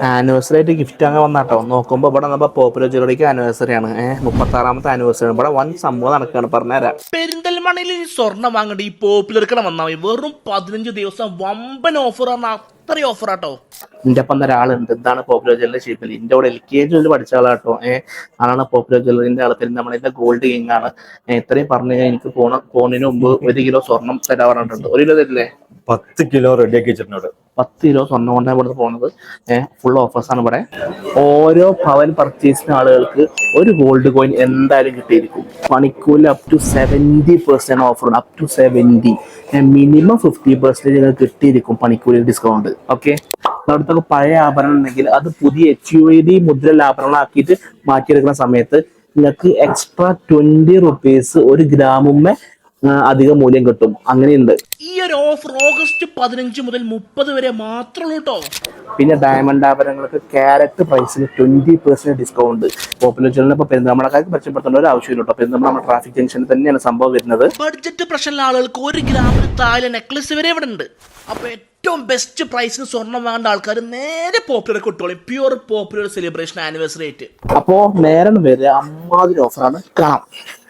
Anniversary ആയിട്ട് gift അങ്ങനെ വന്നാട്ടോ. നോക്കുമ്പോൾ ഇവിടെ നമ്മൾ പോപ്പുലർ ജ്വല്ലറിക്ക് ആനിവേഴ്സറി ആണ്. 36ാമത്തെ ആനിവേഴ്സറി ഇവിടെ വൻ സംഭവം നടക്കുകയാണ്. പറഞ്ഞുതരാം. പെരിന്തൽമണ്ണയിൽ ഈ സ്വർണ്ണം വാങ്ങേണ്ട ഈ പോപ്പുലർക്കട വന്നാൽ മതി. വെറും 15 ദിവസം വമ്പൻ ഓഫർ ആണ്. അത്രയും ഓഫർ ആട്ടോ. എൻ്റെ ഒപ്പം ഒരാളുണ്ട്. ഇതാണ് പോപ്പുലർ ജ്വല്ലറി ഷീപ്പിൽ. എൻ്റെ കൂടെ LKG പഠിച്ച ആളാട്ടോ. ആളാണ് പോപ്പുലർ ജ്വല്ലറിന്റെ ആൾ. പെരിന്തൽമണ്ണയിലെ ഗോൾഡ് കിങ് ആണ്. ഇത്രയും പറഞ്ഞു കഴിഞ്ഞാൽ എനിക്ക് പോണതിന് മുമ്പ് 1 കിലോ സ്വർണം തരാൻ പറഞ്ഞിട്ടുണ്ട്. 1 കിലോ തരില്ലേ? 10 കിലോ റെഡിയാക്കി വെച്ചിട്ടുണ്ട്. 10 കിലോ സ്വർണ്ണം കൊണ്ടാണ് ഇവിടെ പോകുന്നത്. ഫുൾ ഓഫേഴ്സ് ആണ് ഇവിടെ. ഓരോ പവൻ പർച്ചേസിന് ആളുകൾക്ക് ഒരു ഗോൾഡ് കോയിൻ എന്തായാലും കിട്ടിയിരിക്കും. പണിക്കൂലി അപ് ടു 70% ഓഫർ ഉണ്ട്. Up to 70. മിനിമം 50% നിങ്ങൾക്ക് കിട്ടിയിരിക്കും പണിക്കൂലി ഡിസ്കൗണ്ട്. ഓക്കെ, അടുത്തൊക്കെ പഴയ ആഭരണം ഉണ്ടെങ്കിൽ അത് പുതിയ HUID മുദ്രയുള്ള ആഭരണങ്ങളാക്കിയിട്ട് മാറ്റിയെടുക്കുന്ന സമയത്ത് നിങ്ങൾക്ക് എക്സ്ട്രാ 20 റുപ്പീസ് 1 ഗ്രാമുമ്മേ അധിക മൂല്യം കിട്ടും. അങ്ങനെയുണ്ട്. ഈ ഒരു ഓഫർ ഓഗസ്റ്റ് 15 മുതൽ 30 വരെ മാത്രമേ ഉള്ളൂ കേട്ടോ. പിന്നെ ഡയമണ്ട് ആഭരണങ്ങൾക്ക് ക്യാരറ്റ് പ്രൈസിന് 20% ഡിസ്കൗണ്ട്. പോപ്പുലർ ജ്വല്ലറിന് ഇപ്പോൾ പെരുന്തൽമണ്ണക്കാർക്ക് മെച്ചപ്പെടുത്തേണ്ട ഒരു ആവശ്യമില്ല കേട്ടോ. പെരുന്തൽമണ്ണ നമ്മുടെ ട്രാഫിക് ജംഗ്ഷനിൽ തന്നെയാണ് സംഭവം വരുന്നത്. ബഡ്ജറ്റ് പ്രശ്നമുള്ള ആളുകൾക്ക് 1 ഗ്രാമിന് താഴെ നെക്ലസ് വരെ ഇവിടെ ഉണ്ട്. അപ്പൊ ഏറ്റവും ബെസ്റ്റ് പ്രൈസിന് സ്വർണ്ണം വാങ്ങേണ്ട ആൾക്കാർ നേരെ പോപ്പുലർ കിട്ടോളൂ. പ്യൂർ പോപ്പുലർ സെലിബ്രേഷൻ ആനിവേഴ്സറി ആയിട്ട്. അപ്പോ നേരം വരെ അമ്മാതിരി ഓഫറാണ്. കാണാം.